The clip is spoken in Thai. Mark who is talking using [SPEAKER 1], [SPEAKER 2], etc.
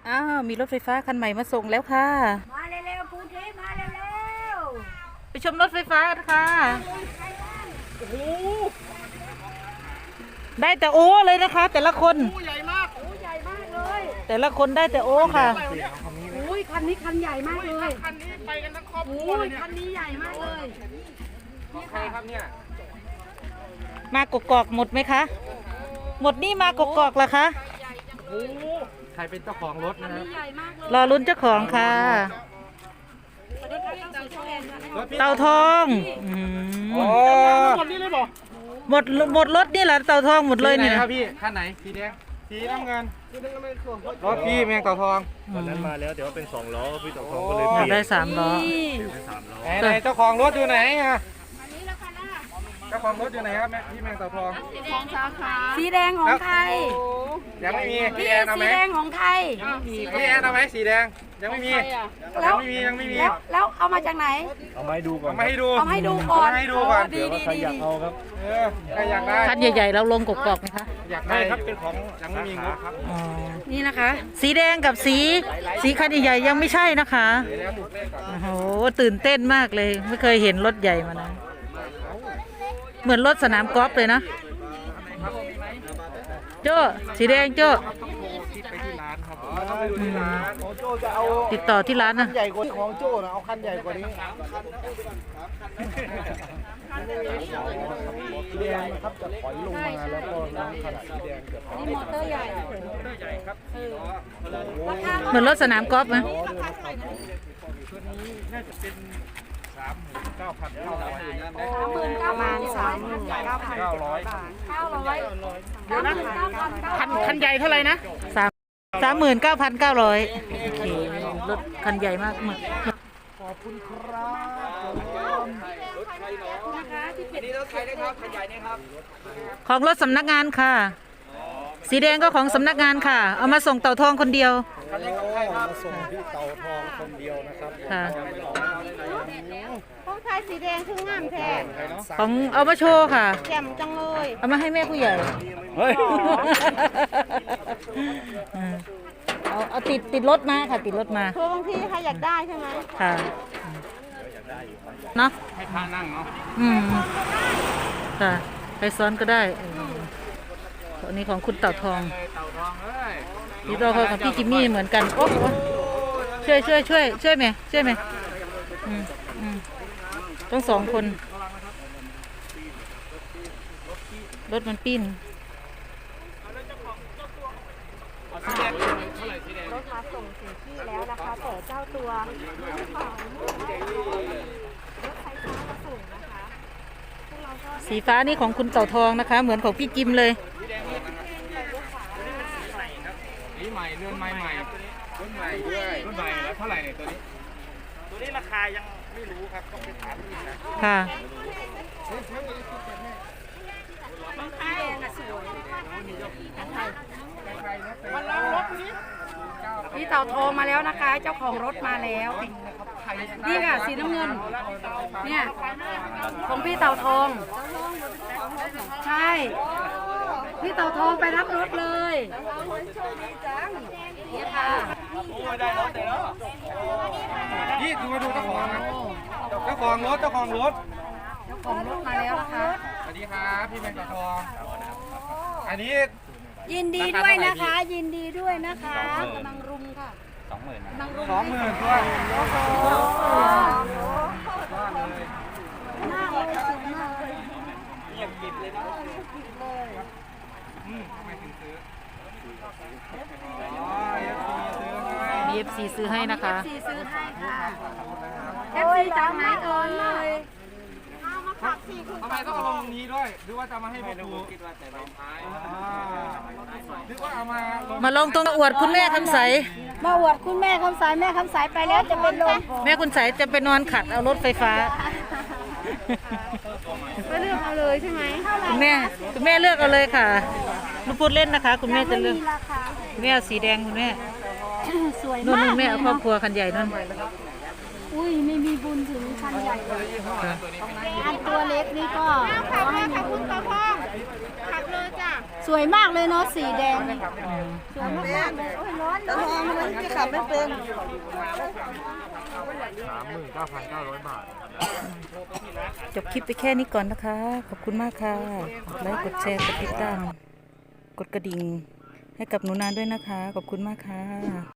[SPEAKER 1] อ้าวมีรถไฟฟ้าคันใหม่มาส่งแล้วค่ะ
[SPEAKER 2] มาเร็วๆปูทิพย์มาเร็ว
[SPEAKER 1] ไปชมรถไฟฟ้ากันค่ะ
[SPEAKER 2] ๆโอ้โห
[SPEAKER 1] ได้แต่โอ้เลยนะคะ แต่ละคน
[SPEAKER 2] ใหญ่มากโอ้ใหญ่มากเลย
[SPEAKER 1] แต่ละคนได้แต่โอ้ค่ะ
[SPEAKER 2] โอ้ยคันนี้คันใหญ่มากเลย
[SPEAKER 3] คันนี้ไปกันทั้งครอบครัว
[SPEAKER 2] โอ้
[SPEAKER 3] เลย ยเนี่ย
[SPEAKER 2] คันนี้ใหญ่มากเลยนี่
[SPEAKER 3] ใคร
[SPEAKER 2] ค่ะ
[SPEAKER 3] ครับเนี่ย
[SPEAKER 1] มากกอกหมดไหมคะหมดนี่มากกอกเหรอคะ
[SPEAKER 3] โอ้ใครเป็นเจ้าของรถนะครั
[SPEAKER 2] นี่
[SPEAKER 3] บ
[SPEAKER 2] ใหญ่มากเลย
[SPEAKER 1] รอลุ้นเจ้าของค่ะ
[SPEAKER 2] สวัสดีค่ะเจ้าสีแดงนะคะ
[SPEAKER 1] เต่าทอง
[SPEAKER 3] หมดนี่เลยบอก
[SPEAKER 1] หมดรถนี่แหละเต่าทองหมดเลยเนี่ย
[SPEAKER 3] ครับพี่คันไหนสีแดงสีน้ำเงินรถพี่แมงเต่าทอง
[SPEAKER 4] วันนั้นมาแล้วเดี๋ยวเป็น2 ล้อพี่ต่อทองก็เลย
[SPEAKER 1] อยากได้3 ล้อ
[SPEAKER 4] เป็น3 ล้อ
[SPEAKER 3] ไหนเจ้าของรถอยู่ไหนอ่ะเจ้าของรถอยู่ไหนครับพี่แมงเต่าทอง
[SPEAKER 2] ของสาขาสีแดงของใคร
[SPEAKER 3] ยังไม่มี
[SPEAKER 2] พี่
[SPEAKER 3] พี่แอนเอาไหม
[SPEAKER 2] สีแดงของใคร
[SPEAKER 3] พี่แอนเอาไหมสีแดงยังไม่มี
[SPEAKER 2] แล้ว
[SPEAKER 3] ยังไม่มี
[SPEAKER 2] แล้วเอามาจากไหน
[SPEAKER 4] เอามาให้ดูก่อน
[SPEAKER 3] เอามาให้ดู
[SPEAKER 2] เอาให้ดูก่อน
[SPEAKER 3] เอาให้ดูก่อน
[SPEAKER 2] ดีดี
[SPEAKER 4] ใคร
[SPEAKER 2] ดี
[SPEAKER 4] อยากเอาครับ
[SPEAKER 3] ใครอยากได้
[SPEAKER 1] คันใหญ่ๆเราลงกกอกไหมคะ
[SPEAKER 3] อยากได้ครับเป็นของยังไม่มีงบครับ
[SPEAKER 1] อ๋อ
[SPEAKER 2] นี่นะคะ
[SPEAKER 1] สีแดงกับสีคันใหญ่ๆยังไม่ใช่นะคะ
[SPEAKER 3] เดี๋ยวแล้วถูกเลขก่อน
[SPEAKER 1] โอ้โหตื่นเต้นมากเลยไม่เคยเห็นรถใหญ่มานะเหมือนรถสนามกอล์ฟเลยนะโจ้สีแดงโจ้
[SPEAKER 3] คิดไปที่ร้านครับ
[SPEAKER 4] ของโจ้จะเอา
[SPEAKER 1] ติดต่อที่ร้านนะ
[SPEAKER 4] ใหญ่กว่าที่ของโจ้นะเอาคันใหญ่กว่านี้สีแดงนะครับจะถอยลงมาแล้วก็น้ำขนาดสีแดงจะถอย
[SPEAKER 2] นี่มอเตอร์ใหญ่
[SPEAKER 3] ใหญ่ครับ
[SPEAKER 1] เหมือนรถสนามกอล์ฟไหม
[SPEAKER 3] ตัวนี้น่าจะเป็น39,900
[SPEAKER 2] 39,900
[SPEAKER 3] คันใหญ่เท่าไหร่นะ
[SPEAKER 1] 39,900โอเครถคันใหญ่มากเหมือน
[SPEAKER 4] ขอบคุณครับ
[SPEAKER 3] นี่รถใครนะครับคันใหญ่นี่ครับ
[SPEAKER 1] ของรถสำนักงานค่ะ สีแดงก็ของสำนักงานค่ะ เอามาส่งเต่าทองคนเดียว
[SPEAKER 3] คันนี้ของใครครับ
[SPEAKER 4] มาส่งที่เตาทองคนเดียวนะครับ
[SPEAKER 1] ค่ะ
[SPEAKER 2] ของใครสีแดงคืองามแท้
[SPEAKER 1] ของเอามาโชว์ค่ะ
[SPEAKER 2] แจ่มจังเลย
[SPEAKER 1] เอามาให้แม่ผู้ใหญ่
[SPEAKER 4] เฮ้ย
[SPEAKER 1] เอาติดรถมาค่ะติดรถมา
[SPEAKER 2] คือบางทีใครอยากได้ใช่ไหม
[SPEAKER 1] ค่ะเนาะ
[SPEAKER 3] ให้พานั่งเนาะ
[SPEAKER 1] อืมค่ะไปซ้อนก็ได้อันนี้ของคุณเต่าทอง
[SPEAKER 3] เลยเต่าทองเอ้ย
[SPEAKER 1] นี่เรากับพี่จิมมี่เหมือนกันโอ้โหช่วยไหมช่วยไหมอืมต้อง2 คนรถมันปิ้น
[SPEAKER 3] สีแดงเท่าไหร่สีแดง
[SPEAKER 2] รถมาส่งถึงที่แล้วนะคะแต่เจ้าตัวรถไฟฟ้ามาส่งนะคะพวกเราก็
[SPEAKER 1] สีฟ้านี่ของคุณเต่าทองนะคะ เหมือนของพี่จิมเลย
[SPEAKER 3] นี่ใหม่เรือนใหม่รุ่นใหม่ด้วยรุ่นใหม่แล้วเท่าไหร่เนี่ยตัวนี้ตัวนี้ราคายังไม่รู้ครับต้องไปถามอีกนะ
[SPEAKER 1] ค่ะ
[SPEAKER 2] พี่เต่าโทรมาแล้วนะคะ เจ้าของรถมาแล้ว นี่ค่ะสีน้ำเงิน เนี่ยของพี่เต่าทอง ใช่ พี่เต่าทองไปรับรถเลยนี่ค่ะ
[SPEAKER 3] นี่ดูมาดูเจ้าของนะเจ้าของรถ
[SPEAKER 2] เจ้าของรถมาแล้วนะคะ
[SPEAKER 3] สวัสดีครับพี่แมงกะทองอันนี้
[SPEAKER 2] ยินดีด้วยนะคะ ยินดีด้วยนะคะกำลังรุมค่ะ
[SPEAKER 3] 20,000
[SPEAKER 2] กำลังรุม
[SPEAKER 3] 20,000ด้วย
[SPEAKER 2] หน้าเลยสวยมากเลย
[SPEAKER 3] เงียบกิบเลยนะไม่ถึงซื้ออ๋อเอฟซีซื้อให้
[SPEAKER 1] มี FC ซื้อให้นะคะ
[SPEAKER 2] สีซื้อให้ค่ะเอฟซีจากไหนเอ่ยเอามาฝากสี่คุณ
[SPEAKER 3] ทำไมต้องเอาลงตรงนี้ด้วยหรือว่าจะมาให้ดูคิดว่าแต่ลงท้ายหรือว่าเอามาลง
[SPEAKER 1] มาลงตรงอวดคุณแม่คำใส
[SPEAKER 2] มาอวดคุณแม่คำสายแม่คำสายไปแล้วจะเป็นลม
[SPEAKER 1] แม่คุณใสจะไปนอนขัดเอารถไฟฟ้า
[SPEAKER 2] ก็เลือกเอาเลยใช่ไหม
[SPEAKER 1] คุณแม่เลือกเอาเลยค่ะลูกพูดเล่นนะคะ คุณแม่จะเลือก
[SPEAKER 2] ราคา
[SPEAKER 1] แม่เอาสีแดงคุณแม่
[SPEAKER 2] สวย
[SPEAKER 1] นู่น
[SPEAKER 2] มาก
[SPEAKER 1] แม่เอาครอบครัวคันใหญ่นั่น
[SPEAKER 2] อุ้ยไม่มีบุญถึงคันใหญ่อันตัวเล็กนี่ก็ขอให้มีบุญ
[SPEAKER 1] ส
[SPEAKER 2] สวยมากเลยเนาะสีแดงนี่
[SPEAKER 1] อืม
[SPEAKER 2] สวยมากๆเลยโอ้ยร้อนตะทองมันจะขับไม่เป็น
[SPEAKER 4] 39,900 บาท
[SPEAKER 1] จบคลิปไปแค่นี้ก่อนนะคะ ขอบคุณมากค่ะกดไลค์กดแชร์กดติดตามกดกระดิ่งให้กับหนูนาด้วยนะคะ ขอบคุณมากค่ะ